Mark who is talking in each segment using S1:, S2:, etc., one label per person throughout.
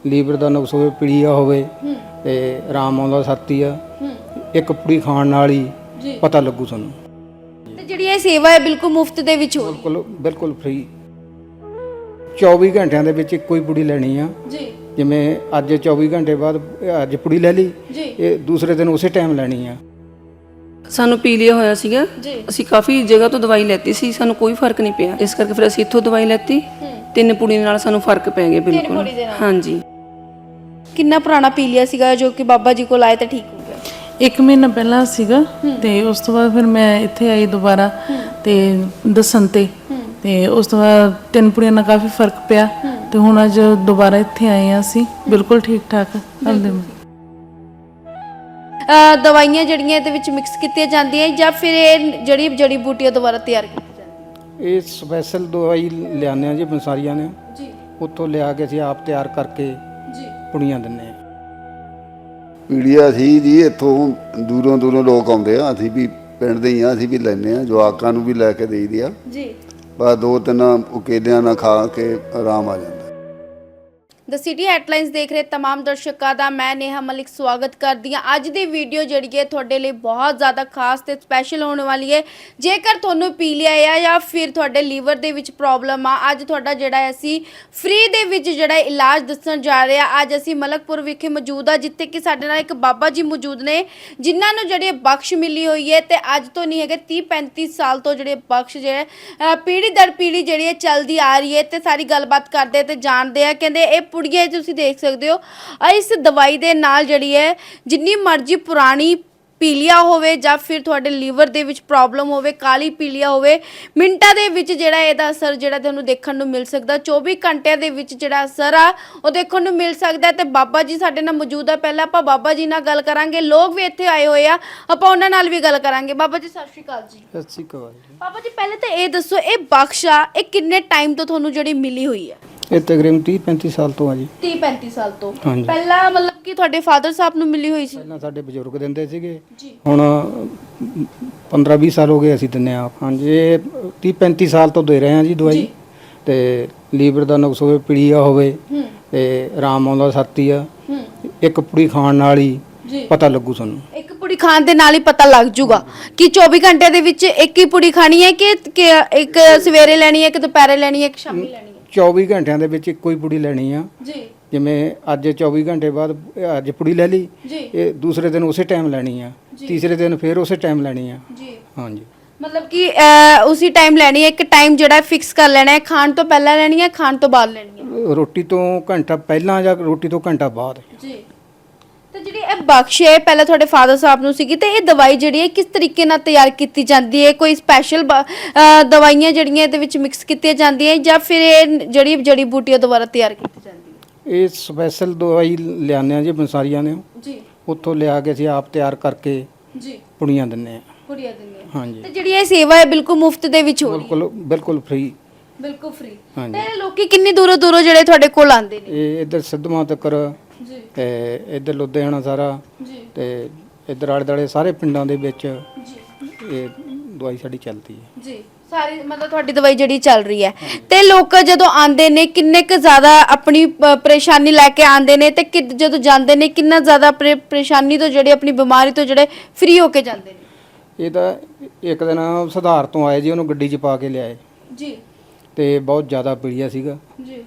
S1: Liver ਦਾ ਨੁਕਸ ਹੋਵੇ, ਪੀਲੀਆ ਹੋਵੇ ਤੇ ਆਰਾਮ ਆਉਂਦਾ ਛਾਤੀ ਆ। ਇੱਕ ਪੁੜੀ ਖਾਣ ਨਾਲ ਹੀ ਪਤਾ ਲੱਗੂ ਤੁਹਾਨੂੰ।
S2: ਤੇ ਜਿਹੜੀ ਇਹ ਸੇਵਾ ਹੈ ਬਿਲਕੁਲ ਮੁਫਤ ਦੇ ਵਿੱਚ ਹੋ ਰਹੀ ਹੈ?
S1: ਬਿਲਕੁਲ ਬਿਲਕੁਲ ਫ੍ਰੀ। 24 ਘੰਟਿਆਂ ਦੇ ਵਿੱਚ ਇੱਕੋ ਹੀ ਪੁੜੀ ਲੈਣੀ ਆ
S2: ਜੀ।
S1: ਜਿਵੇਂ ਅੱਜ 24 ਘੰਟੇ ਬਾਅਦ ਅੱਜ ਪੁੜੀ ਲੈ ਲਈ, ਇਹ ਦੂਸਰੇ ਦਿਨ ਉਸੇ ਟਾਈਮ ਲੈਣੀ ਆ।
S3: ਸਾਨੂੰ ਪੀਲੀਆ ਹੋਇਆ ਸੀਗਾ, ਅਸੀਂ ਕਾਫੀ ਜਗ੍ਹਾ ਤੋਂ ਦਵਾਈ ਲੈਤੀ ਸੀ, ਸਾਨੂੰ ਕੋਈ ਫਰਕ ਨਹੀਂ ਪਿਆ। ਇਸ ਕਰਕੇ ਫਿਰ ਅਸੀਂ ਇੱਥੋਂ ਦਵਾਈ ਲੈਤੀ। 3 ਪੁੜੀ ਨਾਲ ਸਾਨੂੰ ਫਰਕ ਪੈ ਗਿਆ ਬਿਲਕੁਲ। ਹਾਂਜੀ।
S2: ਕਿੰਨਾ ਪੁਰਾਣਾ ਪੀਲੀਆ ਸੀਗਾ ਜੋ ਕਿ ਬਾਬਾ ਜੀ ਕੋਲ ਆਏ ਤਾਂ ਠੀਕ ਹੋ ਗਿਆ?
S4: 1 ਮਹੀਨਾ ਪਹਿਲਾਂ ਸੀਗਾ ਤੇ ਉਸ ਤੋਂ ਬਾਅਦ ਫਿਰ ਮੈਂ ਇੱਥੇ ਆਈ ਦੁਬਾਰਾ ਤੇ ਦੱਸਣ ਤੇ ਉਸ ਤੋਂ ਬਾਅਦ 3 ਪੁੜੀਆਂ ਨਾਲ ਕਾਫੀ ਫਰਕ ਪਿਆ ਤੇ ਹੁਣ ਅੱਜ ਦੁਬਾਰਾ ਇੱਥੇ ਆਏ ਆ ਅਸੀਂ ਬਿਲਕੁਲ ਠੀਕ ਠਾਕ।
S2: ਦਵਾਈਆਂ ਜਿਹੜੀਆਂ ਇਹਦੇ ਵਿੱਚ ਮਿਕਸ ਕੀਤੀਆਂ ਜਾਂਦੀਆਂ ਜਾਂ ਫਿਰ ਇਹ ਜਿਹੜੀ ਜੜੀ ਬੂਟੀਆਂ ਦੁਬਾਰਾ ਤਿਆਰ ਕੀਤੀਆਂ ਜਾਂਦੀਆਂ?
S1: ਇਹ ਸਪੈਸ਼ਲ ਦਵਾਈ ਲਿਆਉਂਦੇ ਆ ਜੀ ਬੰਸਾਰੀਆਂ ਨੇ
S2: ਜੀ।
S1: ਉੱਥੋਂ ਲਿਆ ਕੇ ਅਸੀਂ ਆਪ ਤਿਆਰ ਕਰਕੇ
S2: ਜੀ
S1: ਪੁੜੀਆਂ ਦਿੰਦੇ ਆ।
S5: ਪੀੜੀਆ ਸੀ ਜੀ, ਇੱਥੋਂ ਦੂਰੋਂ ਦੂਰੋਂ ਲੋਕ ਆਉਂਦੇ ਆ, ਅਸੀਂ ਵੀ ਪਿੰਡ ਦੇ ਹੀ ਆ, ਅਸੀਂ ਵੀ ਲੈਂਦੇ ਆ, ਜਵਾਕਾਂ ਨੂੰ ਵੀ ਲੈ ਕੇ ਦੇਈਦੀ ਆ
S2: ਜੀ।
S5: ਬਸ 2-3 ਉਕੇਲਿਆਂ ਨਾਲ ਖਾ ਕੇ ਆਰਾਮ ਆ ਜਾਂਦਾ।
S2: ਦ ਸਿਟੀ ਹੈਡਲਾਈਨਸ ਦੇਖ ਰਹੇ तमाम ਦਰਸ਼ਕਾਂ ਦਾ ਮੈਂ ਨੇਹਾ ਮਲਿਕ ਸਵਾਗਤ ਕਰਦੀ ਹਾਂ। ਅੱਜ ਦੀ ਵੀਡੀਓ ਜਿਹੜੀ ਹੈ ਤੁਹਾਡੇ ਲਈ ਬਹੁਤ ਜ਼ਿਆਦਾ ਖਾਸ ਤੇ ਸਪੈਸ਼ਲ ਹੋਣ ਵਾਲੀ ਹੈ। ਜੇਕਰ ਤੁਹਾਨੂੰ ਪੀਲੀਆ ਆ ਜਾਂ ਫਿਰ ਤੁਹਾਡੇ ਲੀਵਰ ਦੇ ਵਿੱਚ ਪ੍ਰੋਬਲਮ ਆ, ਅੱਜ ਤੁਹਾਡਾ ਜਿਹੜਾ ਅਸੀਂ ਫ੍ਰੀ ਦੇ ਵਿੱਚ ਜਿਹੜਾ ਇਲਾਜ ਦੱਸਣ ਜਾ ਰਹੇ ਆ। ਅੱਜ ਅਸੀਂ ਮਲਕਪੁਰ ਵਿਖੇ ਮੌਜੂਦ ਆ, ਜਿੱਥੇ ਕਿ ਸਾਡੇ ਨਾਲ ਇੱਕ ਬਾਬਾ ਜੀ ਮੌਜੂਦ ਨੇ ਜਿਨ੍ਹਾਂ ਨੂੰ ਜਿਹੜੀ ਬਖਸ਼ ਮਿਲੀ ਹੋਈ ਹੈ ਤੇ ਅੱਜ ਤੋਂ ਨਹੀਂ ਹੈਗੇ 30-35 ਸਾਲ ਤੋਂ ਜਿਹੜੇ ਬਖਸ਼ ਜਿਹੜੇ ਪੀੜੀ ਦਰ ਪੀੜੀ ਜਿਹੜੀ ਹੈ ਚੱਲਦੀ ਆ ਰਹੀ ਹੈ। ਤੇ ਸਾਰੀ ਗੱਲਬਾਤ ਕਰਦੇ ਤੇ ਜਾਣਦੇ ਆ। ਕਹਿੰਦੇ ਇਹ ਪੁੜੀਆਂ ਤੁਸੀਂ ਦੇਖ ਸਕਦੇ ਹੋ, ਇਸ ਦਵਾਈ ਦੇ ਨਾਲ ਜਿਹੜੀ ਹੈ ਜਿੰਨੀ ਮਰਜ਼ੀ ਪੁਰਾਣੀ ਪੀਲੀਆ ਹੋਵੇ ਜਾਂ ਫਿਰ ਤੁਹਾਡੇ ਲੀਵਰ ਦੇ ਵਿੱਚ ਪ੍ਰੋਬਲਮ ਹੋਵੇ, ਕਾਲੀ ਪੀਲੀਆ ਹੋਵੇ, ਮਿੰਟਾਂ ਦੇ ਵਿੱਚ ਜਿਹੜਾ ਇਹਦਾ ਅਸਰ ਜਿਹੜਾ ਤੁਹਾਨੂੰ ਦੇਖਣ ਨੂੰ ਮਿਲ ਸਕਦਾ। 24 ਘੰਟਿਆਂ ਦੇ ਵਿੱਚ ਜਿਹੜਾ ਅਸਰ ਆ ਉਹ ਦੇਖਣ ਨੂੰ ਮਿਲ ਸਕਦਾ। ਤੇ ਬਾਬਾ ਜੀ ਸਾਡੇ ਨਾਲ ਮੌਜੂਦ ਆ। ਪਹਿਲਾਂ ਆਪਾਂ ਬਾਬਾ ਜੀ ਨਾਲ ਗੱਲ ਕਰਾਂਗੇ, ਲੋਕ ਵੀ ਇੱਥੇ ਆਏ ਹੋਏ ਆ, ਆਪਾਂ ਉਹਨਾਂ ਨਾਲ ਵੀ ਗੱਲ ਕਰਾਂਗੇ। ਬਾਬਾ ਜੀ ਸਤਿ ਸ਼੍ਰੀ ਅਕਾਲ ਜੀ।
S1: ਸਤਿ ਸ਼੍ਰੀ ਅਕਾਲ ਜੀ।
S2: ਬਾਬਾ ਜੀ ਪਹਿਲੇ ਤਾਂ ਇਹ ਦੱਸੋ, ਇਹ ਬਖਸ਼ ਆ ਇਹ ਕਿੰਨੇ ਟਾਈਮ ਤੋਂ ਤੁਹਾਨੂੰ ਜਿਹੜੀ ਮਿਲੀ ਹੋਈ ਹੈ?
S1: ਇਹ ਤਕਰੀਬਨ 30-35 ਸਾਲ ਤੋਂ ਆ ਜੀ।
S2: 30-35 ਸਾਲ ਤੋਂ
S1: ਹਾਂਜੀ।
S2: ਪਹਿਲਾਂ ਮਤਲਬ ਕਿ ਤੁਹਾਡੇ ਫਾਦਰ ਸਾਹਿਬ ਨੂੰ ਮਿਲੀ ਹੋਈ ਸੀ?
S1: ਪਹਿਲਾਂ ਸਾਡੇ ਬਜ਼ੁਰਗ ਦਿੰਦੇ ਸੀਗੇ
S2: ਜੀ।
S1: ਹੁਣ 15-20 ਸਾਲ ਹੋ ਗਏ ਅਸੀਂ ਦਿੰਦੇ ਆ। ਹਾਂਜੀ, ਇਹ 30-35 ਸਾਲ ਤੋਂ ਦੇ ਰਹੇ ਆ ਜੀ ਦਵਾਈ। ਤੇ ਲੀਵਰ ਦਾ ਨੁਕਸ ਹੋਵੇ, ਪੀਲੀਆ ਹੋਵੇ ਤੇ ਆਰਾਮ ਆਉਂਦਾ ਛਾਤੀ ਆ। ਇੱਕ ਪੁੜੀ ਖਾਣ ਨਾਲ ਹੀ ਪਤਾ ਲੱਗੂ ਤੁਹਾਨੂੰ।
S2: ਇੱਕ ਪੁੜੀ ਖਾਣ ਦੇ ਨਾਲ ਹੀ ਪਤਾ ਲੱਗ ਜੂਗਾ ਕਿ 24 ਘੰਟੇ ਦੇ ਵਿੱਚ ਇੱਕ ਹੀ ਪੁੜੀ ਖਾਣੀ ਹੈ ਕਿ ਇੱਕ ਸਵੇਰੇ ਲੈਣੀ ਹੈ, ਇੱਕ ਦੁਪਹਿਰੇ ਲੈਣੀ ਹੈ, ਇੱਕ ਸ਼ਾਮੀ ਲੈਣੀ ਹੈ?
S1: 24 ਘੰਟਿਆਂ ਦੇ ਵਿੱਚ ਇੱਕੋ ਹੀ ਪੁੜੀ ਲੈਣੀ ਆ
S2: ਜੀ।
S1: ਜਿਵੇਂ ਅੱਜ 24 ਘੰਟੇ ਬਾਅਦ ਅੱਜ ਪੁੜੀ ਲੈ ਲਈ, ਇਹ ਦੂਸਰੇ ਦਿਨ ਉਸੇ ਟਾਈਮ ਲੈਣੀ ਆ। ਤੀਸਰੇ ਦਿਨ ਫਿਰ ਉਸੇ ਟਾਈਮ ਲੈਣੀ ਆ।
S2: ਜੀ।
S1: ਹਾਂਜੀ,
S2: ਮਤਲਬ ਕਿ ਉਸੇ ਟਾਈਮ ਲੈਣੀ ਹੈ, ਇੱਕ ਟਾਈਮ ਜਿਹੜਾ ਫਿਕਸ ਕਰ ਲੈਣਾ ਹੈ। ਖਾਣ ਤੋਂ ਪਹਿਲਾਂ ਲੈਣੀ ਹੈ, ਖਾਣ ਤੋਂ ਬਾਅਦ ਲੈਣੀ ਹੈ?
S1: ਰੋਟੀ ਤੋਂ ਘੰਟਾ ਪਹਿਲਾਂ ਜਾਂ ਰੋਟੀ ਤੋਂ ਘੰਟਾ ਬਾਅਦ।
S2: ਜੀ। ਤੇ ਜਿਹੜੀ ਇਹ ਬਖਸ਼ ਹੈ ਪਹਿਲਾਂ ਤੁਹਾਡੇ ਫਾਦਰ ਸਾਹਿਬ ਨੂੰ ਸੀਗੀ, ਤੇ ਇਹ ਦਵਾਈ ਜਿਹੜੀ ਹੈ ਕਿਸ ਤਰੀਕੇ ਨਾਲ ਤਿਆਰ ਕੀਤੀ ਜਾਂਦੀ ਹੈ? ਕੋਈ ਸਪੈਸ਼ਲ ਦਵਾਈਆਂ ਜਿਹੜੀਆਂ ਇਹਦੇ ਵਿੱਚ ਮਿਕਸ ਕੀਤੀਆਂ ਜਾਂਦੀਆਂ ਜਾਂ ਫਿਰ ਇਹ ਜਿਹੜੀ ਜੜੀ ਬੂਟੀਆਂ ਦੁਬਾਰਾ ਤਿਆਰ ਕੀਤੀ ਜਾਂਦੀ ਹੈ?
S1: ਇਹ ਸਪੈਸ਼ਲ ਦਵਾਈ ਲਿਆਉਂਦੇ ਆ ਜੀ ਬੰਸਾਰੀਆਂ ਨੇ
S2: ਜੀ।
S1: ਉੱਥੋਂ ਲਿਆ ਕੇ ਅਸੀਂ ਆਪ ਤਿਆਰ ਕਰਕੇ
S2: ਜੀ।
S1: ਪੁੜੀਆਂ ਦਿੰਦੇ ਆ।
S2: ਪੁੜੀਆਂ ਦਿੰਦੇ ਆ।
S1: ਹਾਂਜੀ।
S2: ਤੇ ਜਿਹੜੀ ਇਹ ਸੇਵਾ ਹੈ ਬਿਲਕੁਲ ਮੁਫਤ ਦੇ ਵਿੱਚ ਹੋ ਰਹੀ ਹੈ?
S1: ਬਿਲਕੁਲ ਬਿਲਕੁਲ ਫ੍ਰੀ।
S2: ਬਿਲਕੁਲ ਫ੍ਰੀ।
S1: ਹਾਂਜੀ।
S2: ਤੇ ਲੋਕੀ ਕਿੰਨੀ ਦੂਰੋਂ ਦੂਰੋਂ ਜਿਹੜੇ ਤੁਹਾਡੇ ਕੋਲ ਆਉਂਦੇ ਨੇ?
S1: ਇਹ ਇੱਧਰ ਸਿੱਧਵਾਂ ਤੱਕ
S2: ਜੀ।
S1: ਤੇ ਇੱਧਰ ਲੁਧਿਆਣਾ ਸਾਰਾ
S2: ਜੀ।
S1: ਤੇ ਇੱਧਰ ਆਲੇ ਦੁਆਲੇ ਸਾਰੇ ਪਿੰਡਾਂ ਦੇ ਵਿੱਚ
S2: ਜੀ।
S1: ਇਹ ਦਵਾਈ ਸਾਡੀ ਚੱਲਦੀ ਹੈ
S2: ਜੀ। ਸਾਰੀ ਮਤਲਬ ਤੁਹਾਡੀ ਦਵਾਈ ਜਿਹੜੀ ਚੱਲ ਰਹੀ ਹੈ। ਤੇ ਲੋਕ ਜਦੋਂ ਆਉਂਦੇ ਨੇ ਕਿੰਨੇ ਕੁ ਜ਼ਿਆਦਾ ਆਪਣੀ ਪਰੇਸ਼ਾਨੀ ਲੈ ਕੇ ਆਉਂਦੇ ਨੇ ਤੇ ਜਦੋਂ ਜਾਂਦੇ ਨੇ ਕਿੰਨਾ ਜ਼ਿਆਦਾ ਪਰੇਸ਼ਾਨੀ ਤੋਂ ਜਿਹੜੇ ਆਪਣੀ ਬਿਮਾਰੀ ਤੋਂ ਜਿਹੜੇ ਫ੍ਰੀ ਹੋ ਕੇ ਜਾਂਦੇ ਨੇ?
S1: ਇਹ ਤਾਂ ਇੱਕ ਦਿਨ ਸੁਧਾਰ ਤੋਂ ਆਏ ਜੀ, ਉਹਨੂੰ ਗੱਡੀ 'ਚ ਪਾ ਕੇ ਲਿਆਏ
S2: ਜੀ।
S1: ਤੇ ਬਹੁਤ ਜ਼ਿਆਦਾ ਪੀੜੀਆ ਸੀਗਾ।
S2: ਜੀ।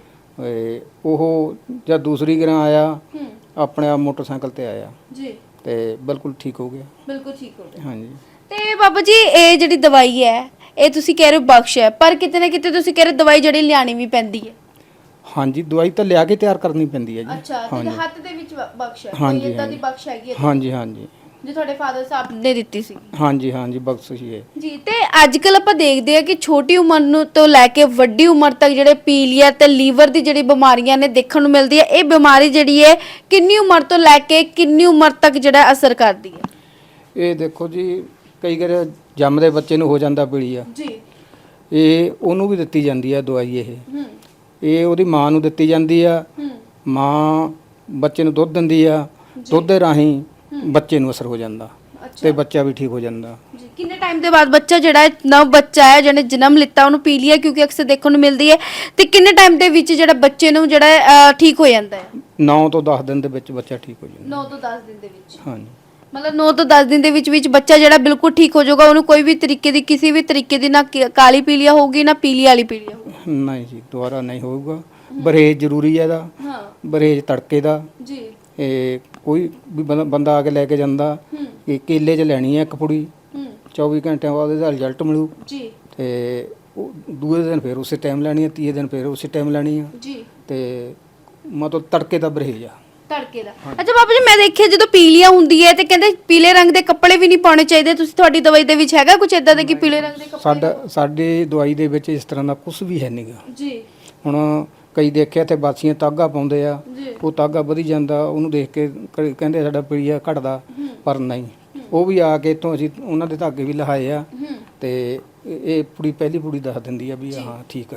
S1: ਉਹ ਜਦ ਦੂਸਰੀ ਗਰਾਂ ਆਇਆ ਆਪਣੇ ਆਪ ਮੋਟਰਸਾਈਕਲ ਤੇ ਆਇਆ
S2: ਜੀ।
S1: ਤੇ ਬਿਲਕੁਲ ਠੀਕ ਹੋ ਗਿਆ।
S2: ਬਿਲਕੁਲ ਠੀਕ ਹੋ ਗਿਆ।
S1: ਹਾਂਜੀ।
S2: ਤੇ ਬਾਬਾ ਜੀ ਇਹ ਜਿਹੜੀ ਦਵਾਈ ਹੈ ਇਹ ਤੁਸੀਂ ਕਹਿ ਰਹੇ ਹੋ ਬਖਸ਼ ਹੈ, ਪਰ ਕਿਤੇ ਨਾ ਕਿਤੇ ਤੁਸੀਂ ਕਹਿ ਰਹੇ ਦਵਾਈ ਜਿਹੜੀ ਲਿਆਣੀ ਵੀ ਪੈਂਦੀ ਹੈ?
S1: ਹਾਂਜੀ, ਦਵਾਈ ਤਾਂ ਲਿਆ ਕੇ ਤਿਆਰ ਕਰਨੀ ਪੈਂਦੀ ਹੈ ਜੀ।
S2: ਅੱਛਾ, ਤੇ ਹੱਥ ਦੇ ਵਿੱਚ ਬਖਸ਼ ਹੈ?
S1: ਹਾਂਜੀ,
S2: ਕੋਈ ਇਦਾਂ ਦੀ ਬਖਸ਼ ਹੈਗੀ ਹੈ?
S1: ਹਾਂਜੀ ਹਾਂਜੀ,
S2: ਜੋ ਤੁਹਾਡੇ ਫਾਦਰ ਸਾਹਿਬ ਨੇ ਦਿੱਤੀ ਸੀ?
S1: ਹਾਂਜੀ ਹਾਂਜੀ, ਬਖਸ਼ਿਸ਼ ਹੈ
S2: ਜੀ। ਤੇ ਅੱਜ ਕੱਲ ਆਪਾਂ ਦੇਖਦੇ ਆ ਕਿ ਛੋਟੀ ਉਮਰ ਨੂੰ ਤੋਂ ਲੈ ਕੇ ਵੱਡੀ ਉਮਰ ਤੱਕ ਜਿਹੜੇ ਪੀਲੀਆ ਤੇ ਲੀਵਰ ਦੀ ਜਿਹੜੀ ਬਿਮਾਰੀਆਂ ਨੇ ਦੇਖਣ ਨੂੰ ਮਿਲਦੀ ਹੈ। ਇਹ ਬਿਮਾਰੀ ਜਿਹੜੀ ਹੈ ਕਿੰਨੀ ਉਮਰ ਤੋਂ ਲੈ ਕੇ ਕਿੰਨੀ ਉਮਰ ਤੱਕ ਜਿਹੜਾ ਅਸਰ ਕਰਦੀ ਹੈ?
S1: ਇਹ ਦੇਖੋ ਜੀ, ਕਈ ਵਾਰ ਜੰਮਦੇ ਬੱਚੇ ਨੂੰ ਹੋ ਜਾਂਦਾ ਪੀਲੀਆ,
S2: ਜੀ।
S1: ਇਹ ਉਹਨੂੰ ਵੀ ਦਿੱਤੀ ਜਾਂਦੀ ਆ ਦਵਾਈ। ਇਹ ਉਹਦੀ ਮਾਂ ਨੂੰ ਦਿੱਤੀ ਜਾਂਦੀ ਆ। ਮਾਂ ਬੱਚੇ ਨੂੰ ਦੁੱਧ ਦਿੰਦੀ ਆ, ਦੁੱਧ ਦੇ ਰਾਹੀਂ ਬੱਚੇ ਨੂੰ ਅਸਰ ਹੋ ਜਾਂਦਾ। ਤੇ ਬੱਚਾ ਵੀ ਠੀਕ ਹੋ ਜਾਂਦਾ।
S2: ਜੀ ਕਿੰਨੇ ਟਾਈਮ ਦੇ ਬਾਅਦ ਬੱਚਾ ਜਿਹੜਾ ਹੈ, ਨਵ ਬੱਚਾ ਹੈ ਜਿਹਨੇ ਜਨਮ ਲਿੱਤਾ ਉਹਨੂੰ ਪੀਲੀਆ ਕਿਉਂਕਿ ਅਕਸਰ ਦੇਖਣ ਨੂੰ ਮਿਲਦੀ ਹੈ, ਤੇ ਕਿੰਨੇ ਟਾਈਮ ਦੇ ਵਿੱਚ ਜਿਹੜਾ ਬੱਚੇ ਨੂੰ ਜਿਹੜਾ ਠੀਕ ਹੋ ਜਾਂਦਾ ਹੈ?
S1: 9 ਤੋਂ 10 ਦਿਨ ਦੇ ਵਿੱਚ ਬੱਚਾ ਠੀਕ ਹੋ ਜਾਂਦਾ।
S2: 9 ਤੋਂ 10 ਦਿਨ ਦੇ ਵਿੱਚ,
S1: ਹਾਂਜੀ
S2: ਮਤਲਬ 9 ਤੋਂ 10 ਦਿਨ ਦੇ ਵਿੱਚ ਬੱਚਾ ਜਿਹੜਾ ਬਿਲਕੁਲ ਠੀਕ ਹੋ ਜਾਊਗਾ, ਉਹਨੂੰ ਕੋਈ ਵੀ ਤਰੀਕੇ ਦੀ ਕਿਸੇ ਵੀ ਤਰੀਕੇ ਦੀ ਨਾ ਕਾਲੀ ਪੀਲੀਆ ਹੋਊਗੀ ਨਾ ਪੀਲੀ ਵਾਲੀ ਪੀਲੀਆ ਹੋਊਗੀ।
S1: ਨਹੀਂ ਜੀ ਦੁਬਾਰਾ ਨਹੀਂ ਹੋਊਗਾ। ਬਰੇਜ ਜ਼ਰੂਰੀ ਹੈ ਇਹਦਾ,
S2: ਹਾਂ
S1: ਬਰੇਜ ਤੜਕੇ ਦਾ।
S2: ਜੀ
S1: ਇਹ ਕੋਈ ਵੀ ਬੰਦਾ ਆ ਕੇ ਲੈ ਕੇ ਜਾਂਦਾ, ਇਹ ਕੇਲੇ 'ਚ ਲੈਣੀ ਹੈ ਇੱਕ ਪੁੜੀ, 24 ਘੰਟਿਆਂ ਬਾਅਦ ਇਹਦਾ ਰਿਜ਼ਲਟ ਮਿਲੂ।
S2: ਜੀ
S1: ਤੇ ਉਹ ਦੂਏ ਦਿਨ ਫਿਰ ਉਸੇ ਟਾਈਮ ਲੈਣੀ ਹੈ, ਤੀਏ ਦਿਨ ਫਿਰ ਉਸੇ ਟਾਈਮ ਲੈਣੀ ਹੈ।
S2: ਜੀ
S1: ਤੇ ਮਤਲਬ ਤੜਕੇ ਦਾ ਬਰੇਜ ਆ।
S2: ਤੜਕੇ ਦਾ। ਅੱਛਾ ਬਾਬਾ ਜੀ, ਮੈਂ ਦੇਖਿਆ ਜਦੋਂ ਪੀਲੀਆ ਹੁੰਦੀ ਹੈ ਤੇ ਕਹਿੰਦੇ ਪੀਲੇ ਰੰਗ ਦੇ ਕੱਪੜੇ ਵੀ ਨਹੀਂ ਪਾਉਣੇ ਚਾਹੀਦੇ, ਤੁਸੀਂ ਤੁਹਾਡੀ ਦਵਾਈ ਦੇ ਵਿੱਚ ਹੈਗਾ ਕੁਝ ਇਦਾਂ ਦਾ ਕਿ ਪੀਲੇ ਰੰਗ ਦੇ ਕੱਪੜੇ?
S1: ਸਾਡੀ ਦਵਾਈ ਦੇ ਵਿੱਚ ਇਸ ਤਰ੍ਹਾਂ ਦਾ ਕੁਝ ਵੀ ਹੈ ਨਹੀਂਗਾ।
S2: ਜੀ
S1: ਹੁਣ ਕਈ ਦੇਖਿਆ ਤੇ ਬਾਸੀਆਂ ਤਾਗਾ ਪਾਉਂਦੇ ਆ,
S2: ਜੀ
S1: ਉਹ ਤਾਗਾ ਵਧੀ ਜਾਂਦਾ, ਉਹਨੂੰ ਦੇਖ ਕੇ ਕਹਿੰਦੇ ਸਾਡਾ ਪੀਲੀਆ ਘਟਦਾ, ਪਰ ਨਹੀਂ। ਉਹ ਵੀ ਆ ਕੇ ਇੱਥੋਂ ਅਸੀਂ ਉਹਨਾਂ ਦੇ ਧਾਗੇ ਵੀ ਲਹਾਏ ਆ, ਤੇ ਇਹ ਪੁੜੀ ਪਹਿਲੀ ਪੁੜੀ ਦੱਸ ਦਿੰਦੀ ਆ ਵੀ ਹਾਂ ਠੀਕ ਆ।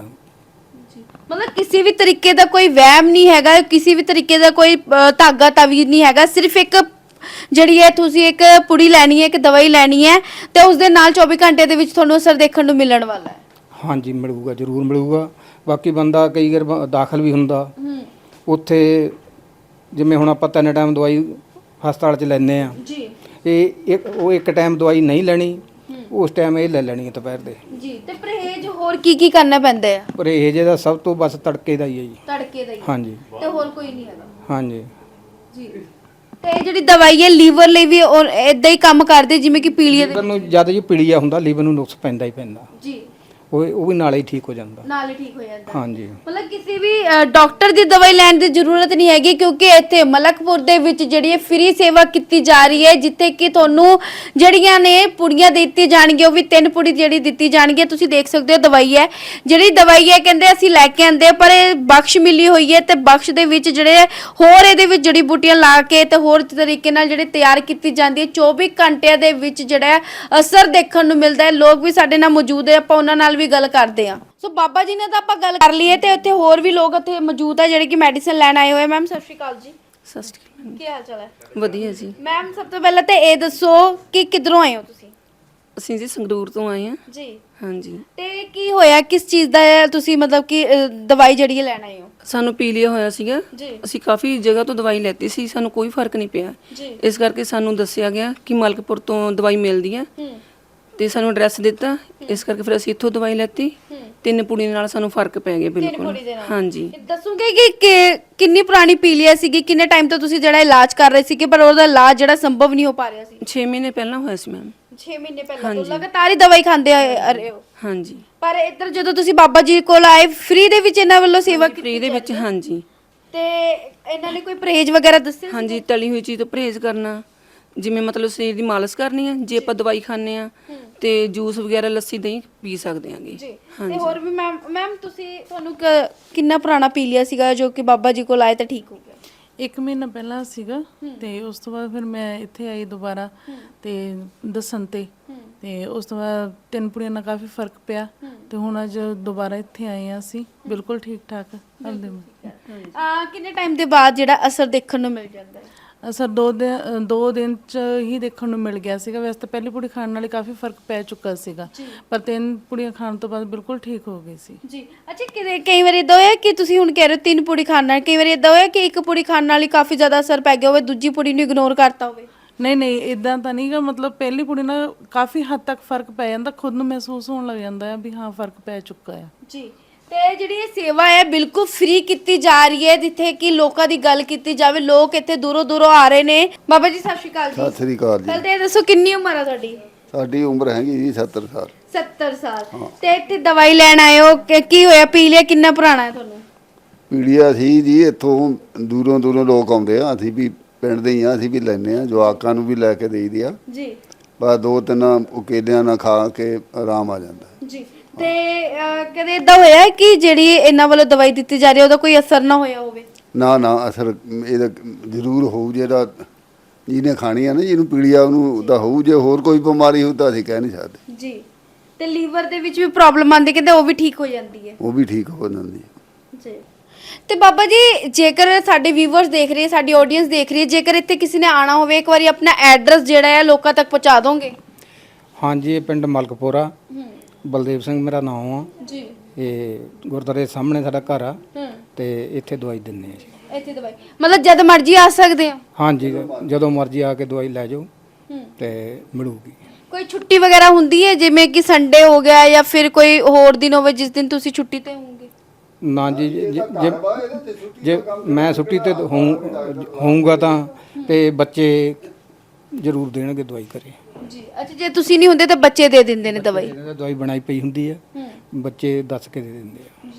S2: ਮਤਲਬ ਕਿਸੇ ਵੀ ਤਰੀਕੇ ਦਾ ਕੋਈ ਵਹਿਮ ਨਹੀਂ ਹੈਗਾ, ਕਿਸੇ ਵੀ ਤਰੀਕੇ ਦਾ ਕੋਈ ਧਾਗਾ ਤਾਵੀਜ਼ ਨਹੀਂ ਹੈਗਾ, ਸਿਰਫ ਇੱਕ ਜਿਹੜੀ ਹੈ ਤੁਸੀਂ ਇੱਕ ਪੁੜੀ ਲੈਣੀ ਹੈ, ਇੱਕ ਦਵਾਈ ਲੈਣੀ ਹੈ ਤੇ ਉਸ ਦੇ ਨਾਲ 24 ਘੰਟੇ ਦੇ ਵਿੱਚ ਤੁਹਾਨੂੰ ਅਸਰ ਦੇਖਣ ਨੂੰ ਮਿਲਣ ਵਾਲਾ ਹੈ।
S1: ਹਾਂਜੀ ਮਿਲੂਗਾ, ਜ਼ਰੂਰ ਮਿਲੂਗਾ। ਬਾਕੀ ਬੰਦਾ ਕਈ ਵਾਰ ਦਾਖਲ ਵੀ ਹੁੰਦਾ ਉੱਥੇ, ਜਿਵੇਂ ਹੁਣ ਆਪਾਂ 3 ਟਾਈਮ ਦਵਾਈ ਹਸਪਤਾਲ 'ਚ ਲੈਂਦੇ ਆ,
S2: ਜੀ
S1: ਉਹ ਇੱਕ ਟਾਈਮ ਦਵਾਈ ਨਹੀਂ ਲੈਣੀ, ਉਸ ਟਾਈਮ ਇਹ ਲੈ ਲੈਣੀ ਹੈ ਦੁਪਹਿਰ ਦੇ।
S2: ਜੀ ਤੇ ਪਰਹੇਜ਼ ਹੋਰ ਕੀ ਕਰਨਾ ਪੈਂਦਾ ਹੈ?
S1: ਪਰਹੇਜ਼ ਦਾ ਸਭ ਤੋਂ ਬਸ ਤੜਕੇ ਦਾ ਹੀ ਹੈ ਜੀ।
S2: ਤੜਕੇ ਦਾ ਹੀ
S1: ਹਾਂਜੀ
S2: ਤੇ ਹੋਰ ਕੋਈ ਨਹੀਂ ਹੈਗਾ?
S1: ਹਾਂਜੀ।
S2: ਜੀ ਤੇ ਇਹ ਜਿਹੜੀ ਦਵਾਈ ਹੈ ਲੀਵਰ ਲਈ ਵੀ ਇਦਾਂ ਹੀ ਕੰਮ ਕਰਦੀ ਜਿਵੇਂ ਕਿ ਪੀਲੀਏ ਦੇ?
S1: ਲੀਵਰ ਨੂੰ ਜਦ ਜੀ ਪੀਲੀਆ ਹੁੰਦਾ ਲੀਵਰ ਨੂੰ ਨੁਕਸ ਪੈਂਦਾ ਹੀ ਪੈਂਦਾ,
S2: ਜੀ
S1: ਉਹ ਵੀ ਨਾਲੇ ਹੀ ਠੀਕ ਹੋ ਜਾਂਦਾ।
S2: ਨਾਲ ਹੀ ਠੀਕ ਹੋ ਜਾਂਦਾ।
S1: ਹਾਂਜੀ
S2: ਮਤਲਬ ਕਿਸੇ ਵੀ ਡਾਕਟਰ ਦੀ ਦਵਾਈ ਲੈਣ ਦੀ ਜ਼ਰੂਰਤ ਨਹੀਂ ਹੈਗੀ, ਕਿਉਂਕਿ ਇੱਥੇ ਮਲਕਪੁਰ ਦੇ ਵਿੱਚ ਜਿਹੜੀ ਹੈ ਫ੍ਰੀ ਸੇਵਾ ਕੀਤੀ ਜਾ ਰਹੀ ਹੈ, ਜਿੱਥੇ ਕਿ ਤੁਹਾਨੂੰ ਜਿਹੜੀਆਂ ਨੇ ਪੁੜੀਆਂ ਦਿੱਤੀ ਜਾਣਗੀਆਂ, ਉਹ ਵੀ 3 ਪੁੜੀ ਜਿਹੜੀ ਦਿੱਤੀ ਜਾਣਗੀ। ਤੁਸੀਂ ਦੇਖ ਸਕਦੇ ਹੋ ਦਵਾਈ ਹੈ, ਜਿਹੜੀ ਦਵਾਈ ਹੈ ਕਹਿੰਦੇ ਅਸੀਂ ਲੈ ਕੇ ਆਂਦੇ, ਪਰ ਇਹ ਬਖਸ਼ ਮਿਲੀ ਹੋਈ ਹੈ ਤੇ ਬਖਸ਼ ਦੇ ਵਿੱਚ ਜਿਹੜੇ ਹੋਰ ਇਹਦੇ ਵਿੱਚ ਜੜੀ ਬੂਟੀਆਂ ਲਾ ਕੇ ਤੇ ਹੋਰ ਤਰੀਕੇ ਨਾਲ ਜਿਹੜੇ ਤਿਆਰ ਕੀਤੀ ਜਾਂਦੀ ਹੈ। 24 ਘੰਟਿਆਂ ਦੇ ਵਿੱਚ ਜਿਹੜਾ ਅਸਰ ਦੇਖਣ ਨੂੰ ਮਿਲਦਾ ਹੈ। ਲੋਕ ਵੀ ਸਾਡੇ ਨਾਲ ਮੌਜੂਦ ਹੈ, ਆਪਾਂ ਉਹਨਾਂ ਨਾਲ ਵੀ ਗੱਲ ਕਰਦੇ ਆ। ਸੋ ਬਾਬਾ ਜੀ ਨੇ ਤਾਂ ਆਪਾਂ ਗੱਲ ਕਰ ਲਈ ਹੈ ਤੇ ਉੱਥੇ ਹੋਰ ਵੀ ਲੋਕ ਇੱਥੇ ਮੌਜੂਦ ਹੈ ਜਿਹੜੇ ਕਿ ਮੈਡੀਸਨ ਲੈਣ ਆਏ ਹੋਏ। ਮੈਮ ਸਤਿ ਸ਼੍ਰੀ ਅਕਾਲ ਜੀ।
S3: ਸਤਿ ਸ਼੍ਰੀ ਅਕਾਲ।
S2: ਕੀ ਹਾਲ ਚਾਲ ਹੈ?
S3: ਵਧੀਆ ਜੀ।
S2: ਮੈਮ ਸਭ ਤੋਂ ਪਹਿਲਾਂ ਤਾਂ ਇਹ ਦੱਸੋ ਕਿ ਕਿੱਧਰੋਂ ਆਏ ਹੋ ਤੁਸੀਂ?
S3: ਅਸੀਂ ਜੀ ਸੰਗਰੂਰ ਤੋਂ ਆਏ ਹਾਂ।
S2: ਜੀ
S3: ਹਾਂਜੀ।
S2: ਤੇ ਕੀ ਹੋਇਆ, ਕਿਸ ਚੀਜ਼ ਦਾ ਤੁਸੀਂ ਮਤਲਬ ਕਿ ਦਵਾਈ ਜਿਹੜੀ ਹੈ ਲੈਣ ਆਏ ਹੋ?
S3: ਸਾਨੂੰ ਪੀਲੀਆ ਹੋਇਆ ਸੀਗਾ,
S2: ਜੀ
S3: ਅਸੀਂ ਕਾਫੀ ਜਗ੍ਹਾ ਤੋਂ ਦਵਾਈ ਲੈਤੀ ਸੀ, ਸਾਨੂੰ ਕੋਈ ਫਰਕ ਨਹੀਂ ਪਿਆ।
S2: ਜੀ
S3: ਇਸ ਕਰਕੇ ਸਾਨੂੰ ਦੱਸਿਆ ਗਿਆ ਕਿ ਮਲਕਪੁਰ ਤੋਂ ਦਵਾਈ ਮਿਲਦੀ ਹੈ ਤੇ ਸਾਨੂੰ ਐਡਰੈਸ ਦਿੱਤਾ, ਇਸ ਕਰਕੇ ਫਿਰ ਅਸੀਂ ਇੱਥੋਂ ਦਵਾਈ ਲੈਤੀ। 3 ਪੁੜੀ ਨਾਲ ਸਾਨੂੰ ਫਰਕ ਪੈ ਗਿਆ ਬਿਲਕੁਲ। ਹਾਂਜੀ।
S2: ਦੱਸੋਗੇ ਕਿ ਕਿੰਨੀ ਪੁਰਾਣੀ ਪੀਲੀਆ ਸੀਗੀ, ਕਿੰਨੇ ਟਾਈਮ ਤੋਂ ਤੁਸੀਂ ਜਿਹੜਾ ਇਲਾਜ ਕਰ ਰਹੇ ਸੀਗੇ ਪਰ ਉਹਦਾ ਇਲਾਜ ਜਿਹੜਾ ਸੰਭਵ ਨਹੀਂ ਹੋ ਪਾ ਰਿਹਾ ਸੀ?
S3: 6 ਮਹੀਨੇ ਪਹਿਲਾਂ ਹੋਇਆ ਸੀ ਮੈਮ।
S2: 6 ਮਹੀਨੇ ਪਹਿਲਾਂ ਤੋਂ ਲਗਾਤਾਰ ਹੀ ਦਵਾਈ ਖਾਂਦੇ ਆ ਰਹੇ ਹੋ?
S3: ਹਾਂਜੀ।
S2: ਪਰ ਇੱਧਰ ਜਦੋਂ ਤੁਸੀਂ ਬਾਬਾ ਜੀ ਕੋਲ ਆਏ, ਫ੍ਰੀ ਦੇ ਵਿੱਚ ਇਹਨਾਂ ਵੱਲੋਂ ਸੇਵਾ ਕੀਤੀ
S3: ਫ੍ਰੀ ਦੇ ਵਿੱਚ। ਹਾਂਜੀ।
S2: ਤੇ ਇਹਨਾਂ ਨੇ ਕੋਈ ਪਰਹੇਜ਼ ਵਗੈਰਾ ਦੱਸਿਆ?
S3: ਹਾਂਜੀ, ਤਲੀ ਹੋਈ ਚੀਜ਼ ਤੋਂ ਪਰਹੇਜ਼ ਕਰਨਾ, ਜਿਵੇਂ ਮਤਲਬ ਸਰੀਰ ਦੀ ਮਾਲਿਸ਼ ਕਰਨੀ ਹੈ। ਜੇ ਆਪਾਂ ਦਵਾਈ ਖਾਂਦੇ ਆ ਤੇ ਜੂਸ ਵਗੈਰਾ, ਲੱਸੀ, ਦਹੀਂ ਪੀ ਸਕਦੇ ਆਂਗੇ।
S2: ਜੀ ਤੇ ਹੋਰ ਵੀ ਮੈਮ ਤੁਸੀਂ ਤੁਹਾਨੂੰ ਕਿੰਨਾ ਪੁਰਾਣਾ ਪੀਲੀਆ ਸੀਗਾ ਜੋ ਕਿ ਬਾਬਾ ਜੀ ਕੋਲ ਆਏ ਤਾਂ ਠੀਕ ਹੋ ਗਿਆ?
S4: 1 ਮਹੀਨਾ ਪਹਿਲਾਂ ਸੀਗਾ ਤੇ ਉਸ ਤੋਂ ਬਾਅਦ ਫਿਰ ਮੈਂ ਇੱਥੇ ਆਈ ਦੁਬਾਰਾ ਤੇ ਦੱਸਣ ਤੇ ਉਸ ਤੋਂ ਬਾਅਦ 3 ਪੁੜੀਆਂ ਨਾਲ ਕਾਫੀ ਫਰਕ ਪਿਆ ਤੇ ਹੁਣ ਅੱਜ ਦੁਬਾਰਾ ਇੱਥੇ ਆਏ ਆ ਅਸੀਂ, ਬਿਲਕੁਲ ਠੀਕ ਠਾਕ ਆਪਦੇ।
S2: ਕਿੰਨੇ ਟਾਈਮ ਦੇ ਬਾਅਦ ਜਿਹੜਾ ਅਸਰ ਦੇਖਣ ਨੂੰ ਮਿਲ ਜਾਂਦਾ ਹੈ?
S4: ਅਸਰ 2 ਦਿਨ ਚ ਹੀ ਦੇਖਣ ਨੂੰ ਮਿਲ ਗਿਆ ਸੀਗਾ। ਵੈਸੇ ਤਾਂ ਪਹਿਲੀ ਪੁੜੀ ਖਾਣ ਨਾਲ ਹੀ ਕਾਫੀ ਫਰਕ ਪੈ ਚੁੱਕਾ ਸੀਗਾ, ਪਰ 3 ਪੁੜੀਆਂ ਖਾਣ ਤੋਂ ਬਾਅਦ ਬਿਲਕੁਲ ਠੀਕ ਹੋ ਗਈ ਸੀ।
S2: ਜੀ ਅੱਛਾ, ਕਈ ਵਾਰੀ ਇਦਾਂ ਹੋਇਆ ਕਿ ਤੁਸੀਂ ਹੁਣ ਕਹਿ ਰਹੇ ਹੋ 3 ਪੁੜੀ ਖਾਣ ਨਾਲ, ਕਈ ਵਾਰੀ ਇਦਾਂ ਹੋਇਆ ਕਿ 1 ਪੁੜੀ ਖਾਣ ਨਾਲ ਹੀ ਕਾਫੀ ਜ਼ਿਆਦਾ ਅਸਰ ਪੈ ਗਿਆ ਹੋਵੇ, ਦੂਜੀ ਪੁੜੀ ਨੂੰ ਇਗਨੋਰ ਕਰਤਾ ਹੋਵੇ?
S4: ਨਹੀਂ ਇਦਾਂ ਤਾਂ ਨਹੀਂਗਾ, ਮਤਲਬ ਪਹਿਲੀ ਪੁੜੀ ਨਾਲ ਕਾਫੀ ਹੱਦ ਤੱਕ ਫਰਕ ਪੈ ਜਾਂਦਾ, ਖੁਦ ਨੂੰ ਮਹਿਸੂਸ ਹੋਣ ਲੱਗ ਜਾਂਦਾ ਹੈ ਵੀ ਹਾਂ ਫਰਕ ਪੈ ਚੁੱਕਾ ਹੈ। ਜੀ
S2: ਤੇ ਜਿਹੜੀ ਇਹ ਸੇਵਾ ਹੈ ਬਿਲਕੁਲ ਫ੍ਰੀ ਕੀਤੀ ਜਾ ਰਹੀ ਹੈ, ਜਿੱਥੇ ਕਿ ਲੋਕਾਂ ਦੀ ਗੱਲ ਕੀਤੀ ਜਾਵੇ। ਲੋਕ ਇੱਥੇ ਦੂਰੋਂ ਆ ਰਹੇ ਨੇ। ਬਾਬਾ ਜੀ ਸਤਿ ਸ਼੍ਰੀ ਅਕਾਲ ਜੀ।
S5: ਸਤਿ ਸ੍ਰੀ ਅਕਾਲ ਜੀ।
S2: ਪਹਿਲਾਂ ਤਾਂ ਇਹ ਦੱਸੋ ਕਿੰਨੀ ਉਮਰ ਹੈ ਤੁਹਾਡੀ?
S5: ਸਾਡੀ ਉਮਰ ਹੈਗੀ ਜੀ 70 ਸਾਲ।
S2: 70 ਸਾਲ। ਤੇ ਇੱਥੇ ਦਵਾਈ ਲੈਣ ਆਏ ਹੋ, ਕੀ ਹੋਇਆ? ਪੀਲੀਆ ਕਿੰਨਾ ਪੁਰਾਣਾ ਹੈ ਤੁਹਾਨੂੰ?
S5: ਪੀਲੀਆ ਸੀ ਜੀ, ਇੱਥੋਂ ਦੂਰੋਂ ਲੋਕ ਆਉਂਦੇ ਆ, ਅਸੀਂ ਵੀ ਪਿੰਡ ਦੇ ਹੀ ਆ, ਅਸੀਂ ਵੀ ਲੈਂਦੇ ਆ, ਜਵਾਕਾਂ ਨੂੰ ਵੀ ਲੈ ਕੇ ਦੇਈਦੀ ਆ।
S2: ਜੀ
S5: ਬਸ 2-3 ਕੇਲਿਆਂ ਨਾਲ ਖਾ ਕੇ ਆਰਾਮ ਆ ਜਾਂਦਾ
S2: ਜੀ। ਤੇ ਕਦੇ ਇਦਾਂ ਹੋਇਆ ਕਿ ਜਿਹੜੀ ਇਹਨਾਂ ਵੱਲੋਂ ਦਵਾਈ ਦਿੱਤੀ ਜਾ ਰਹੀ ਹੈ ਉਹਦਾ ਕੋਈ ਅਸਰ ਨਾ ਹੋਇਆ ਹੋਵੇ?
S5: ਨਾ ਅਸਰ ਇਹਦਾ ਜ਼ਰੂਰ ਹੋਊ, ਜਿਹੜਾ ਜਿਹਨੇ ਖਾਣੀ ਆ ਨਾ, ਜਿਹਨੂੰ ਪੀਲੀਆ ਉਹਨੂੰ ਤਾਂ ਹੋਊ। ਜੇ ਹੋਰ ਕੋਈ ਬਿਮਾਰੀ ਹੋਊ ਤਾਂ ਅਸੀਂ ਕਹਿ ਨਹੀਂ ਸਕਦੇ।
S2: ਜੀ ਤੇ ਲੀਵਰ ਦੇ ਵਿੱਚ ਵੀ ਪ੍ਰੋਬਲਮ ਆਉਂਦੀ, ਕਹਿੰਦੇ ਉਹ ਵੀ ਠੀਕ ਹੋ ਜਾਂਦੀ ਹੈ?
S5: ਉਹ ਵੀ ਠੀਕ ਹੋ ਜਾਂਦੀ ਹੈ।
S2: ਜੀ ਤੇ ਬਾਬਾ ਜੀ ਜੇਕਰ ਸਾਡੇ ਵੀਵਰਸ ਦੇਖ ਰਹੇ ਸਾਡੀ ਆਡੀਅנס ਦੇਖ ਰਹੀ ਹੈ, ਜੇਕਰ ਇੱਥੇ ਕਿਸੇ ਨੇ ਆਣਾ ਹੋਵੇ ਇੱਕ ਵਾਰੀ ਆਪਣਾ ਐਡਰੈਸ ਜਿਹੜਾ ਹੈ ਲੋਕਾਂ ਤੱਕ ਪਹੁੰਚਾ ਦੋਗੇ?
S1: ਹਾਂਜੀ, ਇਹ ਪਿੰਡ ਮਲਕਪੁਰਾ, ਬਲਦੇਵ ਸਿੰਘ ਮੇਰਾ ਨਾਮ ਆ
S2: ਜੀ।
S1: ਇਹ ਗੁਰਦੁਆਰੇ ਦੇ ਸਾਹਮਣੇ ਸਾਡਾ ਘਰ ਆ ਤੇ ਇੱਥੇ ਦਵਾਈ ਦਿੰਦੇ ਆ ਜੀ।
S2: ਇੱਥੇ ਦਵਾਈ ਮਤਲਬ ਜਦ ਮਰਜ਼ੀ ਆ ਸਕਦੇ ਆ?
S1: ਹਾਂਜੀ, ਜਦੋਂ ਮਰਜ਼ੀ ਆ ਕੇ ਦਵਾਈ ਲੈ ਜਾਓ ਤੇ ਮਿਲੂਗੀ।
S2: ਕੋਈ ਛੁੱਟੀ ਵਗੈਰਾ ਹੁੰਦੀ ਹੈ ਜਿਵੇਂ ਕਿ ਸੰਡੇ ਹੋ ਗਿਆ ਜਾਂ ਫਿਰ ਕੋਈ ਹੋਰ ਦਿਨ ਹੋਵੇ ਜਿਸ ਦਿਨ ਤੁਸੀਂ ਛੁੱਟੀ ਤੇ ਹੋਵੋਗੇ?
S1: ਨਾ ਜੀ, ਜੇ ਮੈਂ ਛੁੱਟੀ ਤੇ ਹੋਊਂਗਾ ਤਾਂ ਤੇ ਬੱਚੇ ਜ਼ਰੂਰ ਦੇਣਗੇ ਦਵਾਈ ਘਰੇ
S2: ਜੀ। ਅੱਛਾ, ਜੇ ਤੁਸੀਂ ਨਹੀਂ ਹੁੰਦੇ ਤਾਂ ਬੱਚੇ ਦੇ ਦਿੰਦੇ ਨੇ ਦਵਾਈ?
S1: ਦਵਾਈ ਬਣਾਈ ਪਈ ਹੁੰਦੀ ਹੈ, ਬੱਚੇ ਦੱਸ ਕੇ ਦੇ ਦਿੰਦੇ ਆ।